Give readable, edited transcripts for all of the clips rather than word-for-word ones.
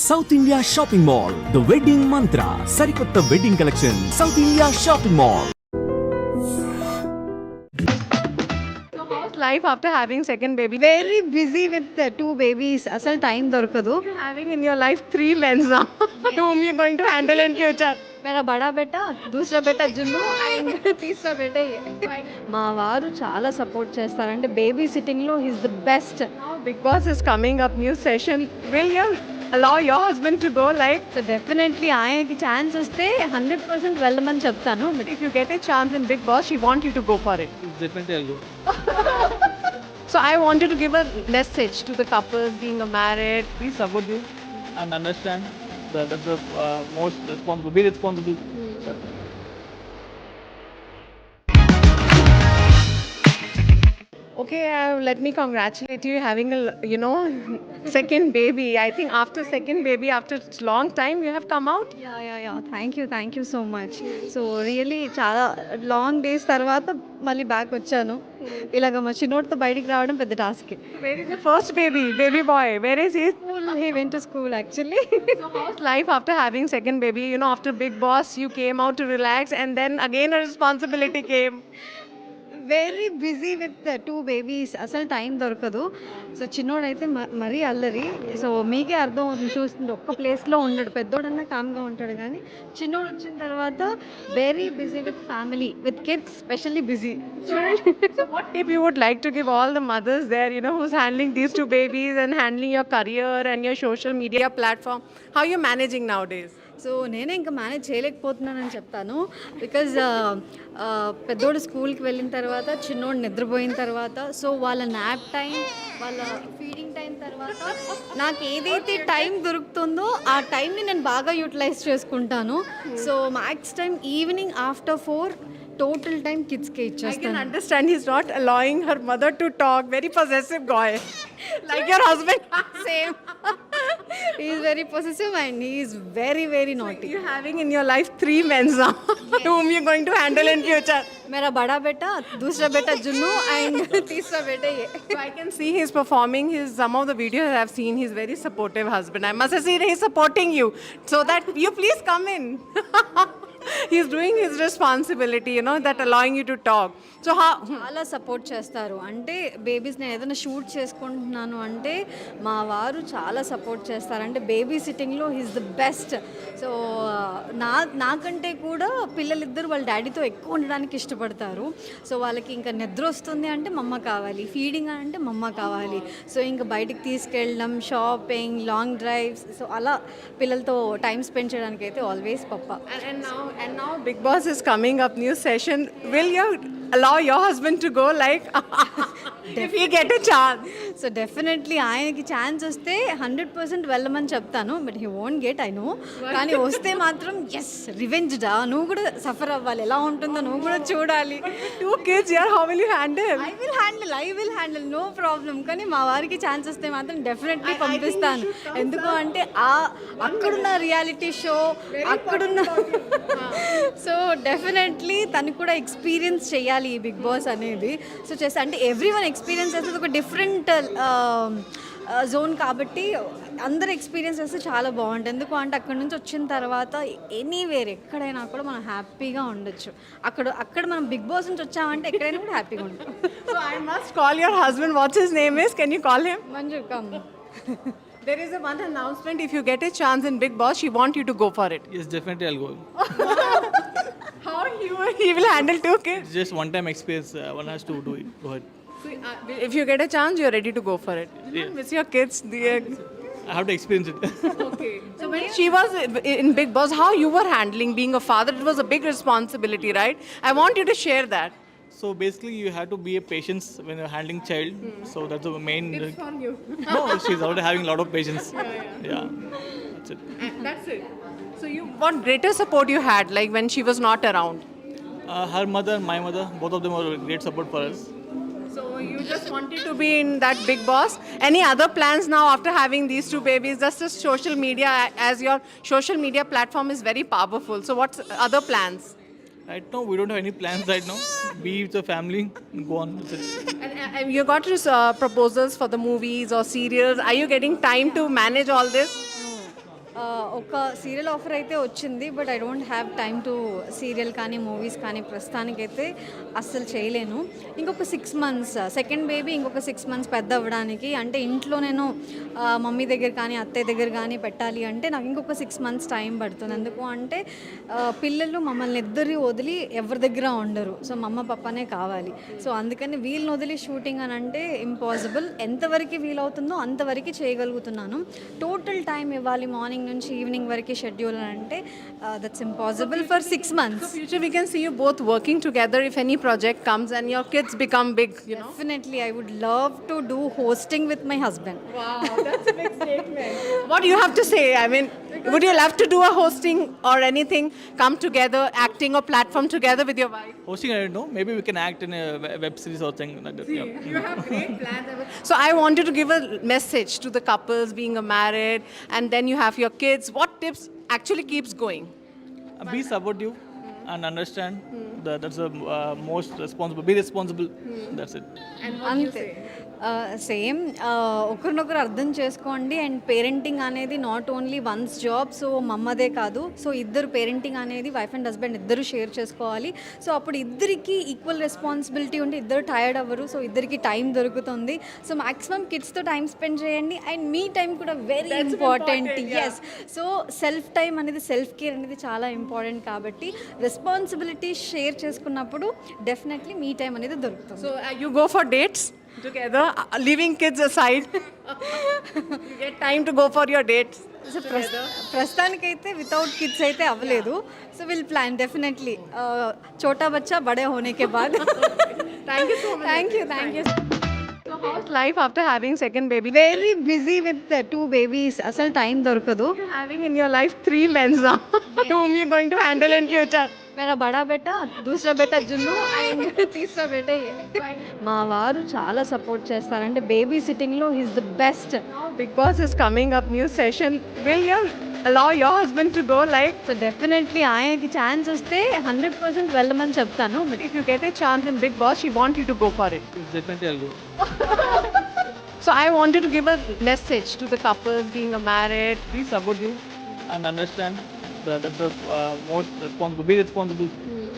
South India Shopping Mall, the wedding Mantra, సరికొత్త wedding collection, South India Shopping Mall. Life after having second baby. Very busy with the two babies. Asal time dorkadu. Having in your life 3 men now. Whom you're going to handle in future. मेरा बड़ा बेटा, दूसरा बेटा Junnu and teesra బేటా మా వారు చాలా support చేస్తారంటే baby sitting లో his the best. Now Big Boss is coming up, new session. Will you allow your husband to go like? So definitely ఆయనకి ఛాన్స్ వస్తే 100% వెళ్ళమని చెప్తాను. But if you get a chance in Big Boss, she want you to go for it. Definitely I'll go. So I wanted to give a message to the couples being married. Please support you and understand that that's the most responsible. Be responsible. Okay, let me congratulate you having a, second baby. I think after second baby, after long time, you have come out. Yeah thank you so much. So really చాలా long days తర్వాత మళ్ళీ back వచ్చాను. ఇలాగ మా చిన్నోడితో బయటికి రావడం పెద్ద task. Where is the first baby boy? Where is he? He went to school actually. So how's life after having second baby? After Big Boss, you came out to relax, and then again a responsibility came. Very busy with two babies. అసలు time దొరకదు. So చిన్నోడైతే మరీ అల్లరి. So మీకే అర్థం అవుతుంది చూస్తుంది, ఒక్క ప్లేస్లో ఉండడు. పెద్దోడన్నా కామ్గా ఉంటాడు, కానీ చిన్నోడు వచ్చిన తర్వాత very busy with family, with kids specially busy. So what tip you would like to give all the mothers there, who's handling these two babies and handling your career and your social media platform? How are you managing nowadays? So నేనే ఇంకా manage చేయలేకపోతున్నానని చెప్తాను. Because పెద్దోడు స్కూల్కి వెళ్ళిన తర్వాత, చిన్నోడు నిద్రపోయిన తర్వాత, సో వాళ్ళ నాప్ టైం, వాళ్ళ ఫీడింగ్ టైం తర్వాత నాకు ఏదైతే టైం దొరుకుతుందో ఆ టైంని నేను బాగా యూటిలైజ్ చేసుకుంటాను. So max time evening after 4 total time కిడ్స్కే I can ఇచ్చేస్తాను. understand he's not allowing her mother to talk. Very possessive guy. Like your husband. Same he is very possessive and he is very very naughty. You're having in your life 3 men now. Whom you're going to handle in future. मेरा बड़ा बेटा, दूसरा बेटा Junnu and तीसरा बेटा ये. So I can see he's performing some of the videos I've seen. He's very supportive husband. I must have seen he's supporting you. So that you please come in. He's doing his responsibility, that allowing you to talk. So how? చాలా support చేస్తారు. అంటే babies నేను ఏదైనా shoot చేసుకుంటున్నాను అంటే మా వారు చాలా సపోర్ట్ చేస్తారు. అంటే బేబీ సిట్టింగ్లో హిస్ ద బెస్ట్. సో నాకంటే కూడా పిల్లలిద్దరు వాళ్ళ డాడీతో ఎక్కువ ఉండడానికి ఇష్టపడతారు. సో వాళ్ళకి ఇంకా నిద్ర వస్తుంది అంటే మమ్మ కావాలి, ఫీడింగ్ అంటే మమ్మ కావాలి. సో ఇంకా బయటికి తీసుకెళ్ళడం, షాపింగ్, లాంగ్ డ్రైవ్స్, సో అలా పిల్లలతో టైం స్పెండ్ చేయడానికి అయితే ఆల్వేస్ పప్ప. And now Big Boss is coming up, new session. Will you allow your husband to go like if you get a chance? So definitely ఆయనకి chance వస్తే 100% వెళ్ళమని చెప్తాను. But he won't get, I know. కానీ వస్తే మాత్రం yes, revenge డా, నువ్వు కూడా సఫర్ అవ్వాలి, ఎలా ఉంటుందో నువ్వు కూడా చూడాలి. 2 kids here, how will you handle? I will handle, no problem. కానీ మా వారికి ఛాన్స్ వస్తే మాత్రం డెఫినెట్లీ పంపిస్తాను. ఎందుకు అంటే అక్కడున్న రియాలిటీ షో, అక్కడున్న సో డెఫినెట్లీ తను కూడా ఎక్స్పీరియన్స్ చేయాలి ఈ బిగ్ బాస్ అనేది. సో చేస్తా అంటే ఎవ్రీ వన్ ఎక్స్పీరియన్స్ చేస్తుంది ఒక డిఫరెంట్ జోన్ కాబట్టి అందరు ఎక్స్పీరియన్స్ చేస్తే చాలా బాగుంటుంది. ఎందుకు అంటే అక్కడ నుంచి వచ్చిన తర్వాత ఎనీవేర్ ఎక్కడైనా కూడా మనం హ్యాపీగా ఉండొచ్చు. అక్కడ మనం బిగ్ బాస్ నుంచి వచ్చామంటే ఎక్కడైనా కూడా హ్యాపీగా ఉంటాం. So I must call your husband. What's his name is? Can you call him? Manju come. There is one announcement. If you get a chance in Big Boss, she want you to go for it. Yes, definitely I'll go. How he will handle 2 kids? It's just one time experience. One has to do it. Go ahead. So, if you get a chance, you're ready to go for it. Yeah. Miss your kids. I have to experience it. Okay. So when she was in Big Boss, how you were handling being a father? It was a big responsibility, right? I want you to share that. So basically, you have to be a patience when you're handling child. So that's the main. Tips from you. No, she's already having a lot of patience. Yeah. That's it. That's it. So what greater support you had, like when she was not around? Her mother and my mother, both of them were great support for us. So you just wanted to be in that Big Boss. Any other plans now after having these 2 babies? Just as social media, as your social media platform is very powerful. So what's other plans? Right now, we don't have any plans right now. Be with the family, go on. That's it. And you got proposals for the movies or serials. Are you getting time to manage all this? ఒక serial offer అయితే వచ్చింది, but I don't have time to serial కానీ movies కానీ ప్రస్తుతానికైతే అస్సలు చేయలేను. ఇంకొక 6 months second baby ఇంకొక 6 months పెద్ద అవ్వడానికి, అంటే ఇంట్లో నేను మమ్మీ దగ్గర కానీ అత్తయ్య దగ్గర కానీ పెట్టాలి అంటే నాకు ఇంకొక 6 months టైం పడుతుంది. ఎందుకు అంటే పిల్లలు మమ్మల్ని ఇద్దరు వదిలి ఎవరి దగ్గర ఉండరు. సో మమ్మ పప్పనే కావాలి. సో అందుకని వీళ్ళని వదిలి షూటింగ్ అని అంటే ఇంపాసిబుల్. ఎంతవరకు వీలవుతుందో అంతవరకు చేయగలుగుతున్నాను. టోటల్ టైం ఇవ్వాలి మార్నింగ్ నుంచి ఈవినింగ్ వరకు షెడ్యూల్ అని అంటే that's impossible for 6 months. Future we can see you both working together if any project comes and your kids become big, you know. Definitely, I would love to do hosting with my husband. Wow, that's a big statement. What do you have to say? I mean, would you love to do a hosting or anything, come together, acting or platform together with your wife? Hosting, I don't know. Maybe we can act in a web series or something like that. Yeah. You have great plans. So I wanted to give a message to the couples being married and then you have your kids. What tips actually keeps going? Be supportive and understand that that's the most responsible. Be responsible. That's it. And what do you అంతే say? Same ఒకరినొకరు అర్థం చేసుకోండి. And parenting అనేది not only one's job. So మమ్మదే కాదు, so ఇద్దరు parenting అనేది wife and husband ఇద్దరు షేర్ చేసుకోవాలి. సో అప్పుడు ఇద్దరికి ఈక్వల్ రెస్పాన్సిబిలిటీ ఉంటే ఇద్దరు టైర్డ్ అవ్వరు. సో ఇద్దరికి టైం దొరుకుతుంది. సో మ్యాక్సిమం కిడ్స్తో టైం స్పెండ్ చేయండి. అండ్ మీ టైం కూడా very important. Yes, so self time అనేది, సెల్ఫ్ కేర్ అనేది చాలా ఇంపార్టెంట్. కాబట్టి రెస్పాన్సిబిలిటీ షేర్ చేసుకున్నప్పుడు డెఫినెట్లీ మీ టైం అనేది దొరుకుతుంది. So you go for dates together, leaving kids aside. You get time to go for your dates. So ప్రస్తుతానికైతే without kids అయితే అవ్వలేదు. సో విల్ ప్లాన్ డెఫినెట్లీ చోటా బచ్చా బడే హోనే కే బాద్. Thank you so much. Thank you. So how's life after having second baby? Very busy with 2 babies. అసలు టైం దొరకదు. Having in your life 3 men now, whom you're going to handle in future. मेरा बड़ा बेटा, दूसरा बेटा Junnu and teesra బేటా మా వారు చాలా సపోర్ట్ చేస్తారంటే బేబీ సిట్టింగ్లో is the best. Big Boss is coming up, new session. Will you allow your husband to go? Like, so definitely ఆయనకి ఛాన్స్ వస్తే 100% వెళ్ళమని చెప్తాను. if you get a chance in Big Boss, she wants you to go for it. Definitely, I'll go. So I wanted to give a message to the couples being married. Be supportive and understand that that's the most responsible. Be responsible.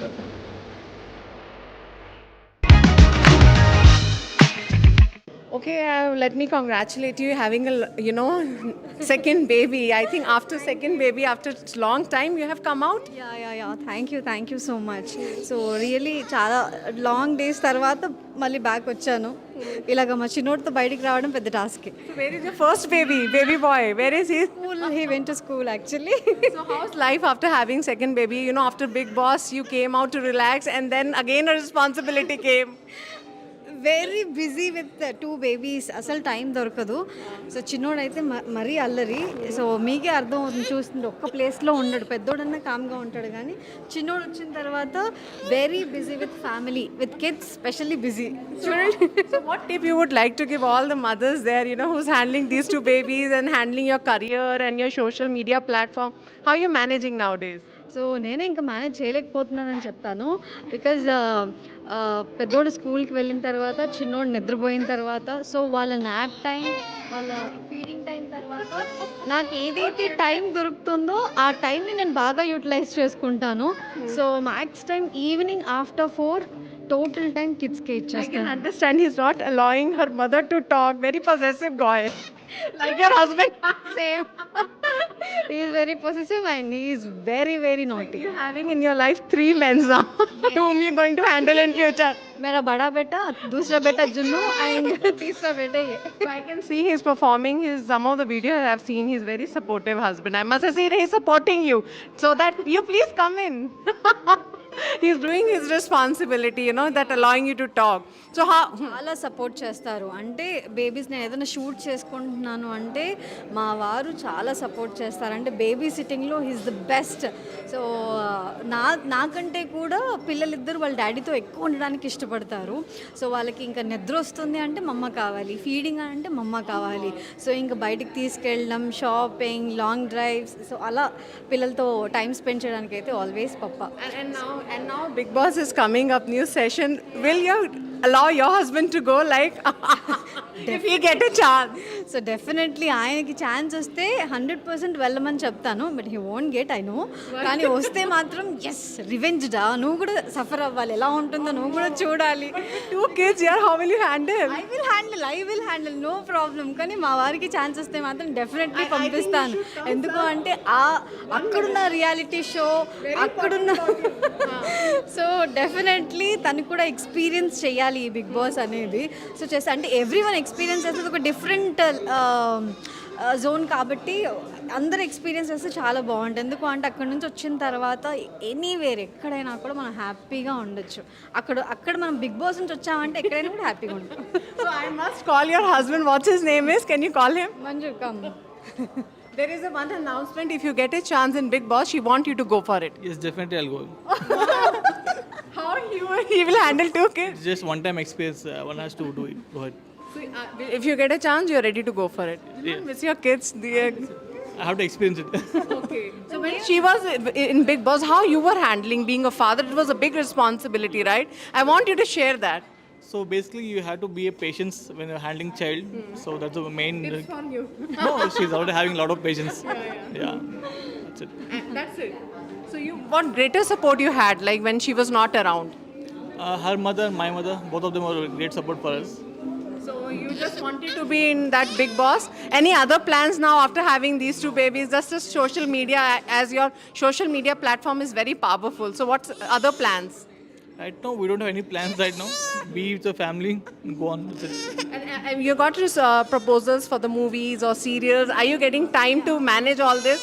Okay, let me congratulate you having a, second baby. I think after second baby, after long time, you have come out. Yeah thank you so much. So really చాలా long days తర్వాత మళ్ళీ back వచ్చాను. ఇలాగ మా చిన్నోడితో బయటికి రావడం పెద్ద task. So where is your first baby boy? Where is he? He went to school actually. So how's life after having second baby? After Big Boss, you came out to relax and then again a responsibility came. Very busy with 2 babies. అసలు time దొరకదు. So చిన్నోడైతే మరీ అల్లరి. So మీకే అర్థం అవుతుంది చూస్తుంటే ఒక్క ప్లేస్లో ఉండడు. పెద్దోడన్నా కామ్గా ఉంటాడు, కానీ చిన్నోడు వచ్చిన తర్వాత very busy with family, with kids specially busy. చూడండి. So what tip you would like to give all the mothers there, who's handling these 2 babies and handling your career and your social media platform? How are you managing nowadays? So నేనే ఇంకా manage చేయలేకపోతున్నానని చెప్తాను. Because పెద్దోడు స్కూల్కి వెళ్ళిన తర్వాత, చిన్నోడు నిద్రపోయిన తర్వాత, సో వాళ్ళ నాప్ టైం, వాళ్ళ ఫీడింగ్ టైం తర్వాత నాకు ఏదైతే టైం దొరుకుతుందో ఆ టైంని నేను బాగా యూటిలైజ్ చేసుకుంటాను. So max time evening after 4 total time కిడ్స్కే I can ఇచ్చేస్తాను. understand he's not allowing her mother to talk. Very possessive guy. Like your husband. Same. He is very possessive and he is very, very naughty. You're having in your life 3 men now, whom you're going to handle in future. मेरा बड़ा बेटा, दूसरा बेटा Junnu and तीसरा बेटा ये. So I can see he's performing some of the videos I've seen. He's very supportive husband. I must have seen he's supporting you. So that you please come in. He's doing his responsibility, that allowing you to talk. So how? చాలా support చేస్తారు. అంటే babies నేను ఏదైనా shoot చేసుకుంటున్నాను అంటే మా వారు చాలా సపోర్ట్ చేస్తారు. అంటే బేబీ సిట్టింగ్లో ఈజ్ ద బెస్ట్. సో నాకంటే కూడా పిల్లలిద్దరు వాళ్ళ డాడీతో ఎక్కువ ఉండడానికి ఇష్టపడతారు. సో వాళ్ళకి ఇంకా నిద్ర వస్తుంది అంటే మమ్మ కావాలి, ఫీడింగ్ అంటే మమ్మ కావాలి. సో ఇంకా బయటికి తీసుకెళ్ళడం, షాపింగ్, లాంగ్ డ్రైవ్స్, సో అలా పిల్లలతో టైం స్పెండ్ చేయడానికి అయితే ఆల్వేస్ పప్ప. And now Big Boss is coming up, new session. Will your allow your husband to go, like, if he get a chance? So definitely ఆయనకి chance వస్తే 100% వెళ్ళమని చెప్తాను, but he won't get, I know. కానీ వస్తే మాత్రం yes, revenge డా, నువ్వు కూడా సఫర్ అవ్వాలి, ఎలా ఉంటుందో నువ్వు కూడా చూడాలి. 2 kids here, how will you handle? I will handle, no problem. కానీ మా వారికి ఛాన్స్ వస్తే మాత్రం డెఫినెట్లీ పంపిస్తాను. ఎందుకు అంటే అక్కడున్న రియాలిటీ షో, అక్కడున్న సో డెఫినెట్లీ తను కూడా ఎక్స్పీరియన్స్ చేయాలి ఈ బిగ్ బాస్ అనేది. సో చేస్తా అంటే ఎవ్రీ వన్ ఎక్స్పీరియన్స్ చేస్తుంది, ఒక డిఫరెంట్ జోన్ కాబట్టి అందరు ఎక్స్పీరియన్స్ చేస్తే చాలా బాగుంటుంది. ఎందుకు అంటే అక్కడ నుంచి వచ్చిన తర్వాత ఎనీవేర్ ఎక్కడైనా కూడా మనం హ్యాపీగా ఉండొచ్చు. అక్కడ మనం బిగ్ బాస్ నుంచి వచ్చామంటే ఎక్కడైనా కూడా హ్యాపీగా ఉంటాం. So I must call your husband. What's his name is? Can you call him? Manju come. There is one announcement. If you get a chance in Big Boss, she want you to go for it. Yes, definitely I'll go. How he will handle 2 kids? It's just one time experience. One has to do it. Go ahead. So, if you get a chance, you're ready to go for it. You don't miss your kids. I have to experience it. Okay. So when she was in Big Boss, how you were handling being a father? It was a big responsibility, right? I want you to share that. So basically, you have to be a patience when you're handling child. So that's the main. On you. No, she's already having a lot of patience. Yeah. That's it. That's it. So what greater support you had, like when she was not around? Her mother, my mother, both of them were great support for us. So you just wanted to be in that Big Boss. Any other plans now after having these 2 babies? Just as social media, as your social media platform is very powerful. So what's other plans? Right now, we don't have any plans right now. Be with the family and go on with it. And you got your proposals for the movies or serials. Are you getting time to manage all this?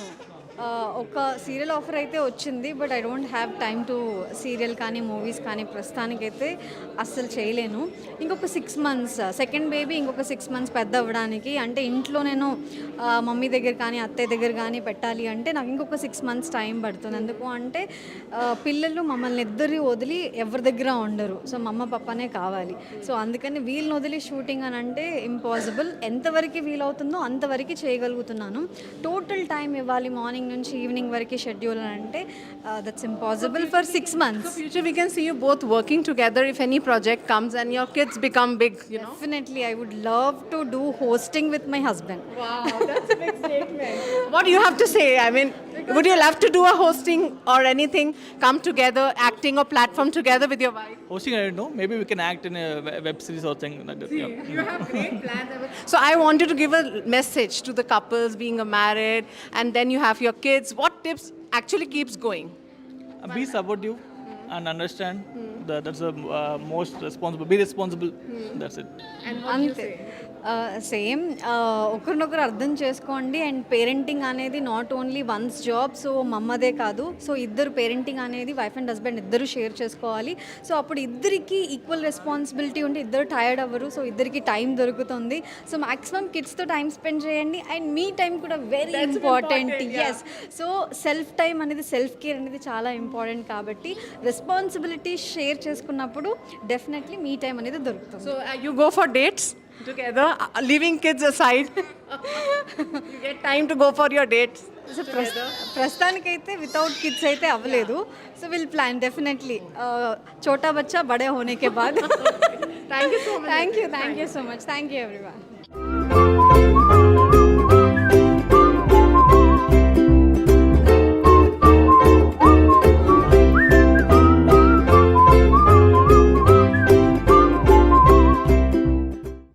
ఒక serial offer అయితే వచ్చింది, but I don't have time to serial కానీ movies కానీ ప్రస్తుతానికైతే అస్సలు చేయలేను. ఇంకొక 6 months, second baby ఇంకొక 6 months పెద్ద అవ్వడానికి, అంటే ఇంట్లో నేను మమ్మీ దగ్గర కానీ అత్తయ్య దగ్గర కానీ పెట్టాలి అంటే నాకు ఇంకొక 6 months టైం పడుతుంది. ఎందుకు అంటే పిల్లలు మమ్మల్ని ఇద్దరు వదిలి ఎవరి దగ్గర ఉండరు. సో మమ్మ పప్పనే కావాలి. సో అందుకని వీళ్ళని వదిలి షూటింగ్ అని అంటే ఇంపాసిబుల్. ఎంతవరకు వీలవుతుందో అంతవరకు చేయగలుగుతున్నాను. టోటల్ టైం ఇవ్వాలి మార్నింగ్ నుంచి ఈవినింగ్ వరకు షెడ్యూల్ అని అంటే that's impossible for 6 months. So future we can see you both working together if any project comes and your kids become big, you know. Definitely, I would love to do hosting with my husband. Wow, that's a big statement. What do you have to say? I mean, would you love to do a hosting or anything, come together, acting or platform together with your wife? Hosting, I don't know. Maybe we can act in a web series or something like that. Yeah. You have great plans. So I want you to give a message to the couples being married and then you have your kids. What tips actually keeps going? Be supportive and understand. That's the most responsible. Be responsible. That's it. అంతే, సేమ్. ఒకరినొకరు అర్థం చేసుకోండి. And parenting అనేది not only one's job. So మమ్మదే కాదు, so ఇద్దరు parenting అనేది వైఫ్ అండ్ హస్బెండ్ ఇద్దరు షేర్ చేసుకోవాలి. సో అప్పుడు ఇద్దరికి ఈక్వల్ రెస్పాన్సిబిలిటీ ఉంటే ఇద్దరు టైర్డ్ అవ్వరు. సో ఇద్దరికి టైం దొరుకుతుంది. సో మ్యాక్సిమం కిడ్స్తో టైం స్పెండ్ చేయండి. అండ్ మీ టైం కూడా very important. Yes, so self time అనేది, సెల్ఫ్ కేర్ అనేది చాలా ఇంపార్టెంట్. కాబట్టి రెస్పాన్సిబిలిటీ షేర్ చేసుకున్నప్పుడు డెఫినెట్లీ మీ టైం అనేది దొరుకుతుంది. So you go for dates together, leaving kids aside. You get time to go for your dates. So ప్రస్తుతానికైతే without kids అయితే అవ్వలేదు. సో విల్ ప్లాన్ డెఫినెట్లీ చోటా బచ్చా బడే హోనే కే బాద్. Thank you so much. Thank you so much. Thank you everyone.